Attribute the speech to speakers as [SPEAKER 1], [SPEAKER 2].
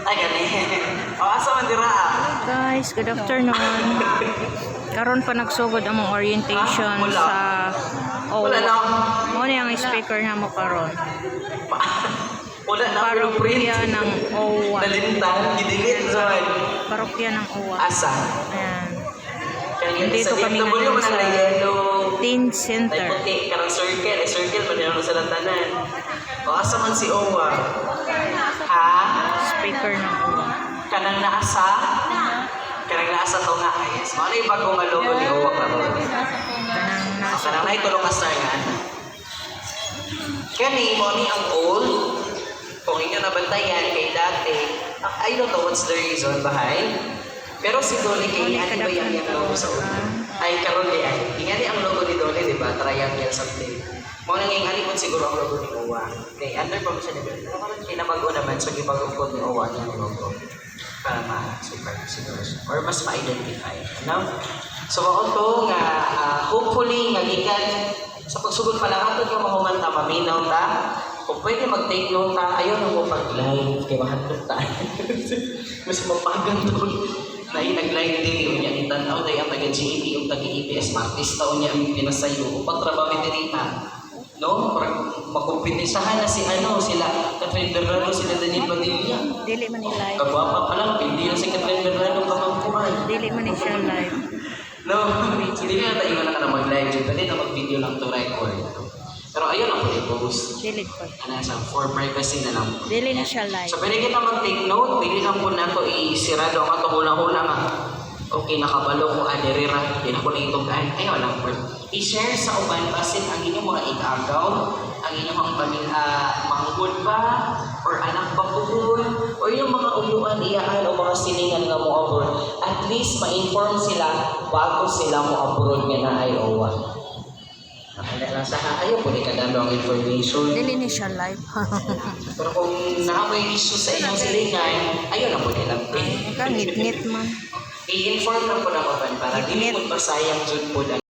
[SPEAKER 1] Ay, gani. O, asa man dira?
[SPEAKER 2] Guys, good afternoon. Karon pa nagsugod ang mga orientation sa
[SPEAKER 1] Wala na.
[SPEAKER 2] Mo ni ang speaker na mo karon.
[SPEAKER 1] Wala na pero print.
[SPEAKER 2] Parokya ng OWA.
[SPEAKER 1] Nalintang, gidilit Zoy.
[SPEAKER 2] Parokya ng OWA.
[SPEAKER 1] Asa?
[SPEAKER 2] Ayan.
[SPEAKER 1] Kaya
[SPEAKER 2] Dito
[SPEAKER 1] sa
[SPEAKER 2] kami
[SPEAKER 1] FW
[SPEAKER 2] ngayon
[SPEAKER 1] man ang
[SPEAKER 2] sa
[SPEAKER 1] yellow.
[SPEAKER 2] Teen
[SPEAKER 1] Ay
[SPEAKER 2] Center.
[SPEAKER 1] puti, karang circle. Circle pa din sa lantanan. O, asa man si Owa? Ha?
[SPEAKER 2] Speaker ng OWA.
[SPEAKER 1] Kanang naasa? Kanang naasa to nga. Yes. Ano yung bagong nga logo ni Owa karon?
[SPEAKER 2] Kanang nasa
[SPEAKER 1] Kanang na itulong ka star nga. Kani mo ni ang old. Kung inyo nabantayan kay dati, I don't know what's the reason behind. Pero si Dolly kay ano ba yung logo sa una? Ay karon di ay. Ingani ang logo ni Dolly, di ba? Triangle something. Mo nang ingani po siguro ang logo ni Owa. Kay under pa mo siya ni Pero karon kinabago naman so gibagong po ni Owa niya ang logo. Para ma-super siguro or mas ma-identify. Ano? So ako to nga hopefully nga gikan sa pagsugod pa lang ato nga mahumanta maminaw ta. Kung pwede mag-take note ta, ayaw na mo pag-live kay mahadlok ta. Mas mapagang to. Dahil nag-live din yung niya itanaw dahil ang taga-GEP yung taga-EPS Martis taon niya ang pinasayo o pagtrabaho din na. No? Makumpetisahan na si sila Catherine Bernardo, sila Daniel Padilla.
[SPEAKER 2] Dili man ni live.
[SPEAKER 1] Kagwapa pa lang, hindi na si Catherine Bernardo kamangkuhan.
[SPEAKER 2] Dili man ni siya live.
[SPEAKER 1] No, hindi na tayo na ka na mag-live. Pwede na mag-video lang to record. Pero ayun ang i-post.
[SPEAKER 2] Dili po.
[SPEAKER 1] Ano sa for privacy na lang.
[SPEAKER 2] Dili na siya live.
[SPEAKER 1] So pwede kita mag-take note, dili lang po na to isirado ang ato hula-hula nga. Okay, nakabalo ko aderira, di na ko na itugaan. Ay, walang po. I-share sa uban basin ang inyong mga igagaw, ang inyong manghud ba, or anak pa puhul, or yung mga uluan iyaan o mga siningan nga mo abroad. At least ma-inform sila bago sila mo abroad nga na ay OWA. Nasa ayaw po ni kadalo ang information.
[SPEAKER 2] Dili ni siya live.
[SPEAKER 1] Pero kung nakapay issue sa inyong silingan, ayaw na po nilang pin.
[SPEAKER 2] Ka ngit-ngit man.
[SPEAKER 1] I-inform lang po na ko para di mo pasayang dyan po